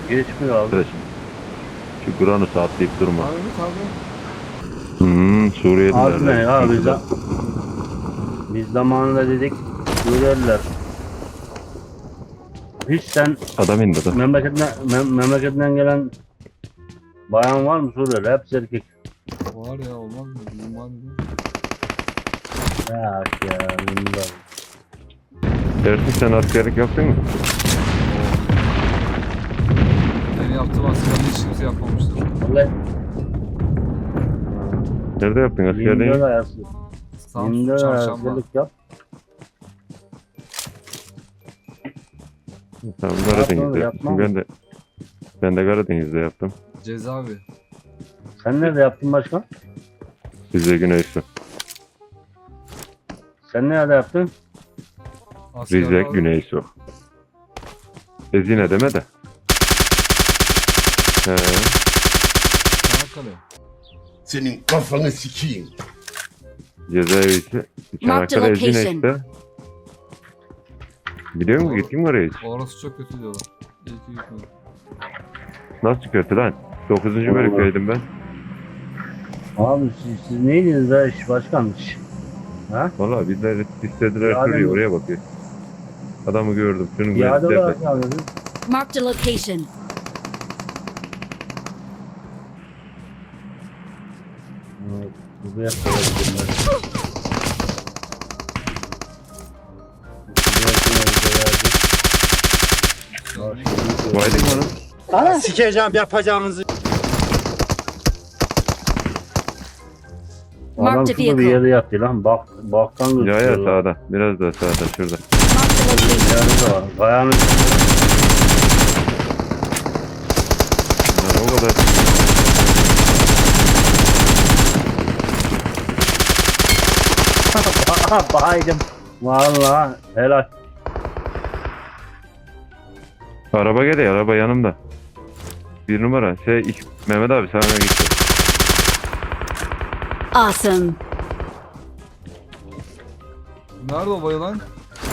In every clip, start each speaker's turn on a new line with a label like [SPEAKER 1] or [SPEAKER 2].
[SPEAKER 1] Geçmiyor abi.
[SPEAKER 2] Arkadaşım. Şu Granus'u atlayıp durma.
[SPEAKER 3] Abi tabii.
[SPEAKER 2] Suriyeliler.
[SPEAKER 1] Abi ne ya biz zamanında dedik Suriyeliler. Hiç sen
[SPEAKER 2] Adam indi de.
[SPEAKER 1] memleketinden gelen bayan var mı Suriyeli? Hepsi erkek.
[SPEAKER 3] Var ya, olmaz mı? Bizim var mı?
[SPEAKER 1] Ya bilmiyorum.
[SPEAKER 2] Dersin sen askerlik yaptın mı?
[SPEAKER 3] Benim yaptığım askerliği hiç kimse yapmamıştır.
[SPEAKER 1] Vallahi
[SPEAKER 2] Nerede yaptın askerliği?
[SPEAKER 1] 24 ayası.
[SPEAKER 3] Samsun
[SPEAKER 1] 24
[SPEAKER 3] çarşamba.
[SPEAKER 1] ayasılık yap.
[SPEAKER 2] Tamam
[SPEAKER 1] Yapma,
[SPEAKER 2] Karadeniz'de
[SPEAKER 1] yapma.
[SPEAKER 2] yaptım. Ben de Karadeniz'de yaptım.
[SPEAKER 3] Cezaevi.
[SPEAKER 1] Sen nerede yaptın başkan?
[SPEAKER 2] Rize Güneysu.
[SPEAKER 1] Sen nerede yaptın?
[SPEAKER 3] Asker
[SPEAKER 2] Rize
[SPEAKER 3] abi.
[SPEAKER 2] Güneysu. Ezine deme de. He.
[SPEAKER 3] Çanakkale.
[SPEAKER 4] Senin kafanı sikeyim.
[SPEAKER 2] Cezaevisi. Çanakkale Ezine işte. Biliyor musun? Gittin mi oraya hiç?
[SPEAKER 3] Orası çok kötü diyorlar. İyi ki gitmedim.
[SPEAKER 2] Nasıl kötü lan? 9. bölümdeydim ben.
[SPEAKER 1] Abi siz neydiniz be başkan? Ha?
[SPEAKER 2] Valla bizler istediler
[SPEAKER 1] Yani-
[SPEAKER 2] şuraya oraya bakıyor. Adamı gördüm. Şunun
[SPEAKER 1] Piyade
[SPEAKER 2] gözü
[SPEAKER 1] olarak yalnız.
[SPEAKER 5] Marked a location.
[SPEAKER 1] Buraya koyabilirim ben.
[SPEAKER 2] Baydın mı onu?
[SPEAKER 6] Sikeceğim yapacağınızı.
[SPEAKER 1] Adam
[SPEAKER 5] Marked a
[SPEAKER 1] şurada bir
[SPEAKER 5] vehicle.
[SPEAKER 1] yerde yattı lan. Baktan
[SPEAKER 2] Ya
[SPEAKER 1] gözüküyor.
[SPEAKER 2] sağda. Biraz daha sağda şurada.
[SPEAKER 5] Marked a location.
[SPEAKER 1] Yerde var. Kayanın
[SPEAKER 2] Yani o kadar.
[SPEAKER 1] baydım. Vallahi helal.
[SPEAKER 2] Araba geliyor. Araba yanımda. Bir numara. Mehmet abi sana gitti.
[SPEAKER 5] Awesome.
[SPEAKER 3] Nerede o bayılan?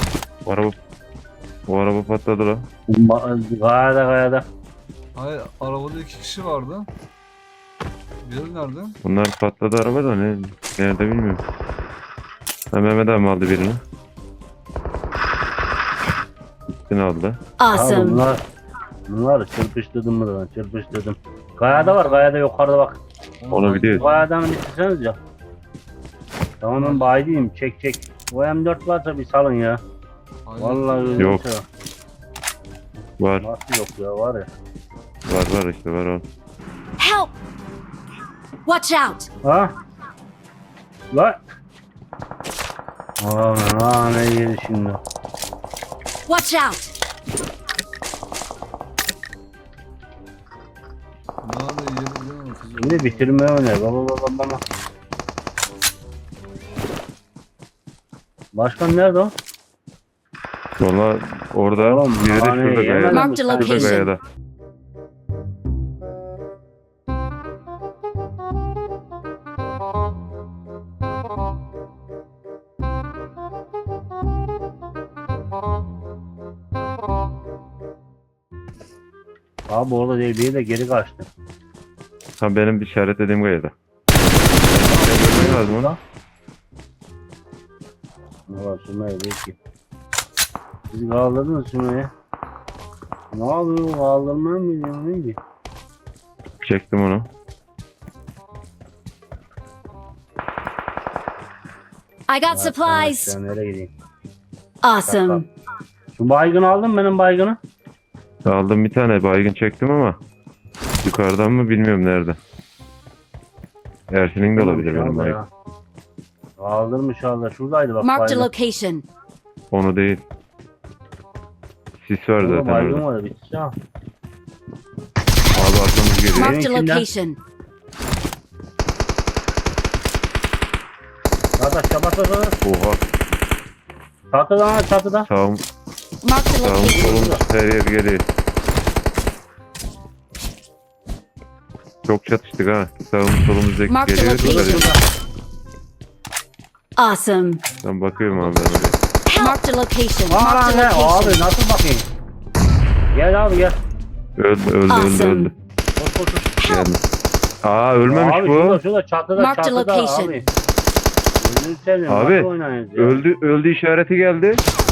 [SPEAKER 2] O araba patladı la.
[SPEAKER 1] Kayada.
[SPEAKER 3] Hayır, arabada 2 kişi vardı. Biri nerede?
[SPEAKER 2] Bunlar patladı araba da nerede bilmiyorum. Ha, Mehmet abi aldı birini. İkisini aldı.
[SPEAKER 1] Abi
[SPEAKER 5] Awesome.
[SPEAKER 1] bunlar çırpıştırdım mı lan? Çırpıştırdım. Kayada var. Kayada yukarıda bak.
[SPEAKER 2] Onu biliyoruz.
[SPEAKER 1] Kayadan bitirseniz ya. Tamam ben baydıyım. Çek. O M4 varsa bir salın ya.
[SPEAKER 3] Hayır.
[SPEAKER 1] Vallahi öyle
[SPEAKER 2] Yok.
[SPEAKER 1] bir şey
[SPEAKER 2] Var.
[SPEAKER 1] Nasıl yok ya var ya.
[SPEAKER 2] Var işte var o.
[SPEAKER 5] Help! Watch out!
[SPEAKER 1] Ha? Lan. Aa ne yedi şimdi.
[SPEAKER 5] Watch out!
[SPEAKER 3] Nerede yeri değil mi?
[SPEAKER 1] Şimdi bitirme öne. Baba. Başkan nerede o?
[SPEAKER 2] Valla orada
[SPEAKER 1] Oğlum,
[SPEAKER 2] biri de
[SPEAKER 1] hani
[SPEAKER 2] şurada
[SPEAKER 1] yemedim.
[SPEAKER 2] kayada.
[SPEAKER 5] Marked a
[SPEAKER 1] Şurada
[SPEAKER 2] Şurada
[SPEAKER 5] location.
[SPEAKER 2] kayada.
[SPEAKER 1] Abi orada değil de geri kaçtı.
[SPEAKER 2] Ha benim işaretlediğim kayada. Görmen lazım onu.
[SPEAKER 1] Ne var Sümeyye değil ki. Siz kaldırdınız Sümeyye. Ne yapıyor? Kaldırmaya mı gidiyor? Neydi?
[SPEAKER 2] Çektim onu.
[SPEAKER 5] I got supplies.
[SPEAKER 1] Sen nereye gideyim?
[SPEAKER 5] Awesome.
[SPEAKER 1] Şu baygını aldın mı benim baygını?
[SPEAKER 2] Aldım bir tane baygın çektim ama yukarıdan mı bilmiyorum nerede. Ersin'in de olabilir benim baygın.
[SPEAKER 1] Kaldırmış Allah. Şuradaydı bak
[SPEAKER 5] Marked a
[SPEAKER 1] baygın.
[SPEAKER 5] location.
[SPEAKER 2] Onu değil. Sis var
[SPEAKER 1] Orada
[SPEAKER 2] zaten
[SPEAKER 1] baygın
[SPEAKER 2] orada.
[SPEAKER 1] var. Bitti ya.
[SPEAKER 2] Abi arkamız geliyor.
[SPEAKER 5] Marked a
[SPEAKER 1] içinden.
[SPEAKER 5] location.
[SPEAKER 1] Kardeş çabata.
[SPEAKER 2] Oha.
[SPEAKER 1] Çatıda.
[SPEAKER 2] Sağım
[SPEAKER 5] Marked a location.
[SPEAKER 2] solum her yer geliyor. Çok çatıştık ha. Sağım solumuz
[SPEAKER 5] Mark the
[SPEAKER 2] geliyor.
[SPEAKER 5] location. Awesome.
[SPEAKER 2] Ben bakıyorum abi ben oraya.
[SPEAKER 5] Marked a location.
[SPEAKER 1] Aa
[SPEAKER 5] Marked
[SPEAKER 1] ne?
[SPEAKER 5] a location.
[SPEAKER 1] Abi nasıl bakayım? Gel abi gel.
[SPEAKER 2] Öldü.
[SPEAKER 5] Awesome.
[SPEAKER 1] Koş koş koş.
[SPEAKER 2] Geldim. Aa ölmemiş
[SPEAKER 1] Abi
[SPEAKER 2] bu.
[SPEAKER 1] şurada çatıda
[SPEAKER 5] Mark the
[SPEAKER 1] çatıda
[SPEAKER 5] location.
[SPEAKER 1] abi. Gözünü seveyim,
[SPEAKER 2] Abi,
[SPEAKER 1] nasıl oynayınız ya?
[SPEAKER 2] Öldü işareti geldi.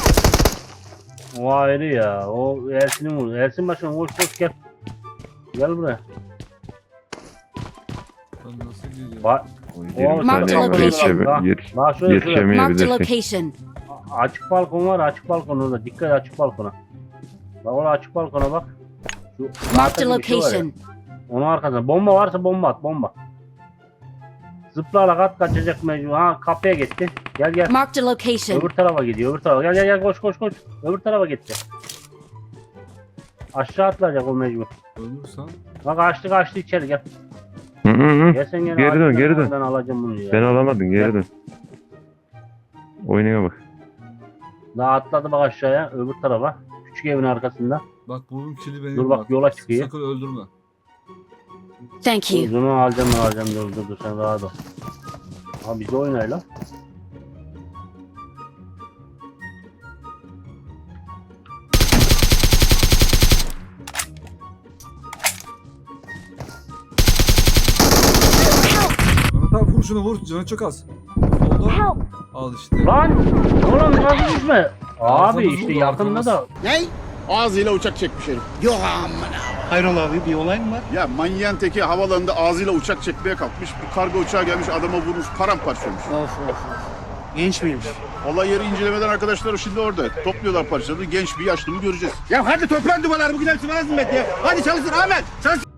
[SPEAKER 1] O ayrı ya. O Ersin'i vurdu. Ersin başkan koş gel. Gel buraya.
[SPEAKER 3] Ben nasıl geliyorum?
[SPEAKER 1] Bak.
[SPEAKER 2] 20
[SPEAKER 5] Mark the
[SPEAKER 2] saniye var,
[SPEAKER 5] location.
[SPEAKER 1] Bak şöyle.
[SPEAKER 5] Marked a
[SPEAKER 2] yetişemeyebilirsin.
[SPEAKER 5] location.
[SPEAKER 1] Açık balkon var, açık balkon orada. Dikkat et açık balkona. Bak orada açık balkona bak. Şu
[SPEAKER 5] Marked a
[SPEAKER 1] arkadaki bir şey var ya,
[SPEAKER 5] location.
[SPEAKER 1] onun arkasında. Bomba varsa bomba at, bomba. Zıplayarak kaçacak mecbur. Ha kapıya gitti. Gel.
[SPEAKER 5] Marked a location.
[SPEAKER 1] Öbür tarafa gidiyor, öbür tarafa. Gel koş. Öbür tarafa gitti. Aşağı atlayacak o mecbur.
[SPEAKER 3] Ölürsen
[SPEAKER 1] Bak açtı içeri gel.
[SPEAKER 2] Hı.
[SPEAKER 1] Gel sen gel.
[SPEAKER 2] Geri dön.
[SPEAKER 1] Ben alacağım bunu ya.
[SPEAKER 2] Sen alamadın geri dön. Oynaya bak.
[SPEAKER 1] Daha atladı bak aşağıya, öbür tarafa. Küçük evin arkasında.
[SPEAKER 3] bak bunun kili benim.
[SPEAKER 1] Dur bak, yola çıkıyor.
[SPEAKER 3] Sakın öldürme.
[SPEAKER 5] Thank you.
[SPEAKER 1] Uzunu alacağım dur sen rahat ol. Ha bizi oynayla.
[SPEAKER 3] Mehmet abi vur şunu vur. Canı çok az. Solda. Al işte.
[SPEAKER 1] Lan! Oğlum nasıl düşme? Abi
[SPEAKER 3] Arkamız
[SPEAKER 1] işte
[SPEAKER 3] vurdu,
[SPEAKER 1] yakında
[SPEAKER 3] arkamız.
[SPEAKER 1] da.
[SPEAKER 4] Ne? Ağzıyla uçak çekmiş herif.
[SPEAKER 6] Hayrola abi bir olay mı var?
[SPEAKER 4] Ya manyağın teki havalanında ağzıyla uçak çekmeye kalkmış. Bir kargo uçağı gelmiş adama vurmuş paramparça olmuş.
[SPEAKER 6] Of. Genç miymiş?
[SPEAKER 4] Olay yeri incelemeden arkadaşlar şimdi orada. Topluyorlar parçaları. Genç bir yaşlı mı göreceğiz.
[SPEAKER 6] Ya hadi toplan duvarlar bugün hepsi bana hizmet ya. Hadi çalışın Ahmet. Çalışın.